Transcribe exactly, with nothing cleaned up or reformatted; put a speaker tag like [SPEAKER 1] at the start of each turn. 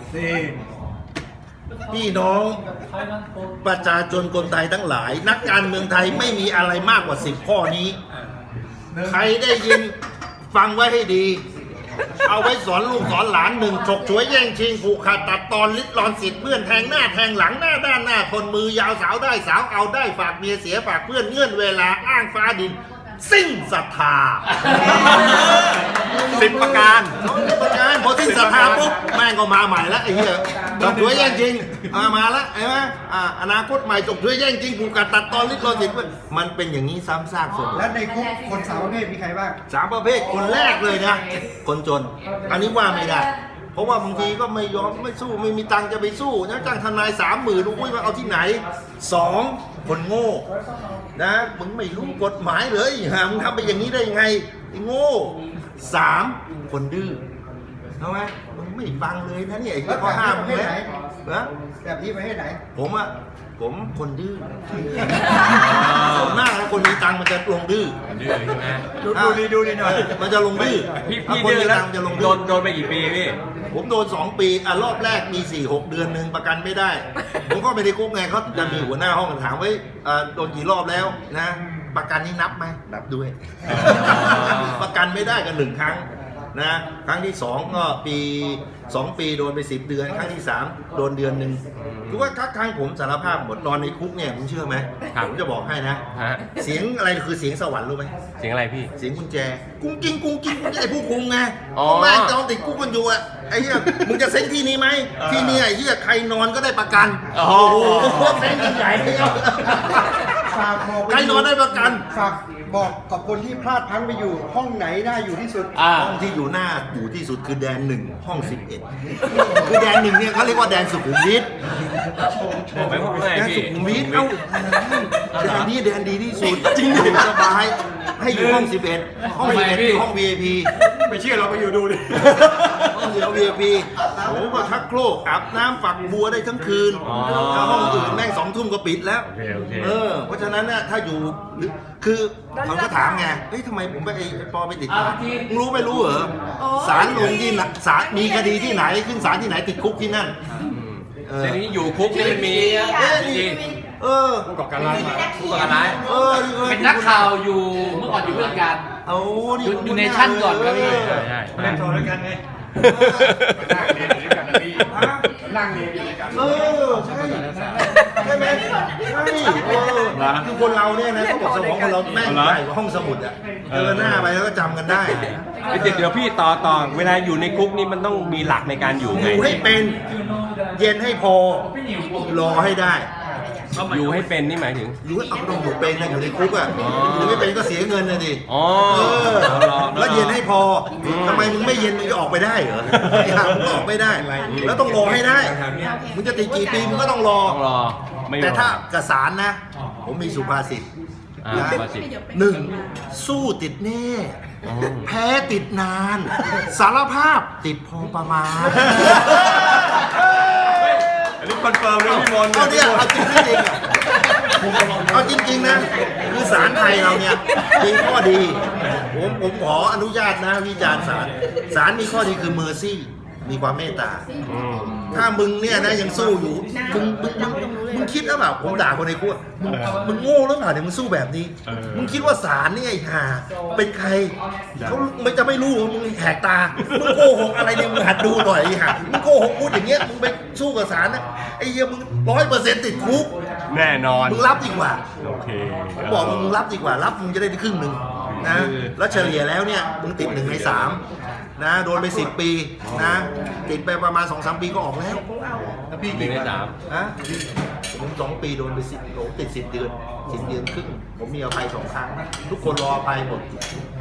[SPEAKER 1] นี่พี่น้องประชาชนคนไทยทั้งหลาย นักการเมืองไทยไม่มีอะไรมากกว่าสิบข้อนี้ ใครได้ยินฟังไว้ให้ดี เอาไว้สอนลูกสอนหลานหนึ่งฉกฉวยแย่งชิงผูกขาดตัดตอนลิดรอนสิทธิ์เพื่อนแทงหน้าแทงหลังหน้าด้านหน้าคนมือยาวสาวได้สาวเอาได้ฝากเมียเสียฝากเพื่อนเงื่อนเวลาอ้างฟ้าดินสิ้นศรัทธา
[SPEAKER 2] สิบประการ
[SPEAKER 1] สิบประการพอสิ้นศรัทธาปุ๊บแม่งก็มาใหม่แล้วไอ้เหี้ยจบด้วยแย่งจริงมามาแล้วเห็นไหมอ่าอนาคตใหม่จบด้วยแย่งจริงผูกขาดตัดตอนลิดรอนสิทธิ์มันเป็นอย่างนี้ซ้ำซากเสมอ
[SPEAKER 3] แล้วในคุกคนสามประเภทมีใครบ้าง
[SPEAKER 1] สามประเภทคนแรกเลยนะคนจนอันนี้ว่าไม่ได้เพราะว่าบางทีก็ไม่ยอมไม่สู้ไม่มีตังค์จะไปสู้นะจ้างทนายสามหมื่นอุ้ยมาเอาที่ไหนสองคนโง่นะมึงไม่รู้กฎหมายเลยฮะมึงทำไปอย่างนี้ได้ยังไงไอ้โง่สามคนดื้อทำไมมึงไม่ฟังเลยนะเนี่ยไอ้ข้อห้ามมึงแล้วนะ
[SPEAKER 3] แบบนี้ประเภทไหน
[SPEAKER 1] ผมอะผมคนดื้อส่วนมากนะคนมีตังค์มันจะลงดื้อ
[SPEAKER 2] ดื้อใช่ไหม
[SPEAKER 3] ดูดูดีดูดีหน่อย
[SPEAKER 1] มันจะลงดื้อ
[SPEAKER 2] พี่
[SPEAKER 1] ถ้า
[SPEAKER 2] พี่
[SPEAKER 1] คน
[SPEAKER 2] ดื้อ
[SPEAKER 1] มี
[SPEAKER 2] แล้ว
[SPEAKER 1] ตังค์จะลง
[SPEAKER 2] โด
[SPEAKER 1] ดื้อ
[SPEAKER 2] นโดนไปกี่ปีพี่
[SPEAKER 1] ผมโดนสองปีอ่ะรอบแรกมีสี่หกเดือนหนึ่งประกันไม่ได้ ผมก็ไม่ได้คุกไงเขาจะมีหัวหน้าห้องถามไว้อ่าโดนกี่รอบแล้วนะ ประกันนี่นับไหมนับด้วย ประกันไม่ได้กันหนึ่งครั้งนะครั้งที่สองก็ปีสองปีโดนไปสิบเดือน ครั้งที่สามโดนเดือนหนึ่งคือว่าครั้งผมสารภาพหมดนอนในคุกเนี่ยคุณเชื่อไหมผมจะบอกให้นะ
[SPEAKER 2] ฮะ
[SPEAKER 1] เสียงอะไรคือเสียงสวรรค์รู้ไหม
[SPEAKER 2] เสียงอะไรพี่
[SPEAKER 1] เสียงกุญแจกุ้งกิ้งกุ้งกิ้งไอ้ผู้คุมไง
[SPEAKER 2] อ๋อ
[SPEAKER 1] แม่งตอนติดคุกกันอยู่อะไอ้เหี้ยมึงจะเซ็งที่นี้ไหมที่นี่ไอ้เหี้ยใครนอนก็ได้ประกัน
[SPEAKER 2] โอ้
[SPEAKER 1] โอ้
[SPEAKER 2] โห
[SPEAKER 1] โหเซ็งยิ่งใหญ่เลยครับ
[SPEAKER 3] ฝากบอก
[SPEAKER 1] ใครนอนได้ประกัน
[SPEAKER 3] ฝากบอกกับคนที่พลาดพลั้งไปอยู่ ห้องไหนน่าอยู่ที่สุด
[SPEAKER 2] อ่า
[SPEAKER 1] ห้องที่อยู่หน้าอยู่ที่สุดคือแดนหนึ่งห้องสิบเอ็ดคือแดนหนึ่งเนี่ยเขาเรียกว่าแดนสุขุมวิท
[SPEAKER 2] ไม่พูดไง
[SPEAKER 1] แดน
[SPEAKER 2] พี่
[SPEAKER 1] สุขุมวิทเอ้าแดนนี้แดนดีที่สุดจริงอยู่สบายให้อยู่ห้องสิบเอ็ดห้องสิบเอ็ดคือห้อง วี ไอ พี
[SPEAKER 3] ไม่เชื่อเราไปอยู่ดูดิ
[SPEAKER 1] ห้องเดียว วี ไอ พี โอ้ก็ชักโครกอาบน้ำฝักบัวได้ทั้งคืน
[SPEAKER 2] อ๋อ
[SPEAKER 1] ถ้าห้องอื่นแม่งสองทุ่มก็ปิดแล้ว
[SPEAKER 2] โอเคโอเค
[SPEAKER 1] เออ เพราะฉะนั้นเนี่ยถ้าอยู่หรือคือเขาก็ถามไง เฮ้ยทำไมผมไปไอ้ปอไปติดคุกมึงรู้ไม่รู้เหรอศาลลงที่ไหนศาลมีคดีที่ไหนขึ้นศาลที่ไหนติดคุกที่นั่น เออ
[SPEAKER 2] ทีนี้อยู่คุกนี่มันมี
[SPEAKER 1] เอ๊ะนี่
[SPEAKER 2] จริง
[SPEAKER 1] เออ
[SPEAKER 2] ผู้ก่อการร้ายผู้ก่อการร้าย
[SPEAKER 1] เออออ
[SPEAKER 4] เป็นนักข่าวอยู่เมื่อก่อนอยู่เพื่อนกัน
[SPEAKER 1] เอา
[SPEAKER 4] อยู่อยู่ในชั้นก่อนครับพี่
[SPEAKER 2] ใช่ใช่
[SPEAKER 3] เล่นโทรด้วยกันไง
[SPEAKER 2] นั่งเรียนอยู่ด้วยกันนะพี่
[SPEAKER 3] นั่งเรียนอยู่ด้วยกัน
[SPEAKER 1] เออใช่ใช่ไหมใช่เออคือคนเราเนี่ยนะเขาบอกสมองคนเราแม่งใหญ่กว่าห้องสมุดอ่ะเจอหน้าไปแล้วก็จำกันได้
[SPEAKER 2] เดี๋ยวเดี๋ยวพี่ต่อต่อเวลาอยู่ในคุกนี่มันต้องมีหลักในการอยู่
[SPEAKER 1] อ
[SPEAKER 2] ไง
[SPEAKER 1] ยู่ให้เป็นเย็นให้พอรอให้ได้
[SPEAKER 2] อยู่ให้เป็นนี่หมายถึง
[SPEAKER 1] อยู่ให้เอาต้องอยู่เป็นนะอยู่ในคุกอ่ะ
[SPEAKER 2] อ๋อ
[SPEAKER 1] อยู่ไม่เป็นก็เสียเงินนะดิ
[SPEAKER 2] อ๋อ
[SPEAKER 1] เออ
[SPEAKER 2] รอ
[SPEAKER 1] แล้วเย็นให้พอทำไมมึงไม่เย็นมึงจะออกไปได้เหรอไอ้ห่ามึงก็ออกไม่ได้ แล้วต้องรอให้ได้มึงจะติดกี่ปีมึงก็ต้องรอ
[SPEAKER 2] ต้องรอไม่รอ
[SPEAKER 1] แต่ถ้ากระสานนะ ผมมีสุภาษิต
[SPEAKER 2] อ่า
[SPEAKER 1] นะ
[SPEAKER 2] ภาษิต
[SPEAKER 1] หนึ่งสู้ติดแน่
[SPEAKER 2] อ๋อ
[SPEAKER 1] แพ้ติดนาน สารภาพติดพอประมาณ
[SPEAKER 2] อันนี้คอนเฟิร์มเลยพี่มนต์
[SPEAKER 1] เอาเนี่ยเอาจริงไม่จริงอะเอาจริงๆนะ คือศาลไทยเราเนี่ยมีข้อดี ผมผมขออนุญาตนะวิจารณ์ศาลศาลมีข้อดีคือเมอร์ซี่มีความเมตตา
[SPEAKER 2] อืม
[SPEAKER 1] ถ้ามึงเนี่ยนะยังสู้อยู่มึงมึงมึงมึงคิดหรือเปล่าผมด่าคนในคุกมึงมึงโง่หรือเปล่าเนี่ยมึงสู้แบบนี้ มึงคิดว่าศาลนี่ไอ้ห่าเป็นใครเขาไม่จะไม่รู้ว่ามึงแหกตามึงโกหกอะไรเนี่ยมึงหัดดูหน่อยไอ้ห่ามึงโกหกพูดอย่างเงี้ยมึงไปสู้กับศาลนะไอ้เหี้ยมึงร้อยเปอร์เซ็นต์ติดคุก
[SPEAKER 2] แน่นอน
[SPEAKER 1] มึงรับดีกว่า
[SPEAKER 2] โอเค
[SPEAKER 1] ผมบอกมึงรับดีกว่ารับมึงจะได้ครึ่งหนึ่งนะแล้วเฉลี่ยแล้วเนี่ยมึงติดหนึ่งในสามนะโดนไปสิบปีนะติดไปประมาณสองสามปีก็ออกแล้ว
[SPEAKER 2] หนึ่งในสาม
[SPEAKER 1] นะผมสองปีโดนไปสิบโดนติดสิบเดือนสิบเดือนครึ่งผมมีอภัยสองครั้ง ทุกคนรออภัยหมด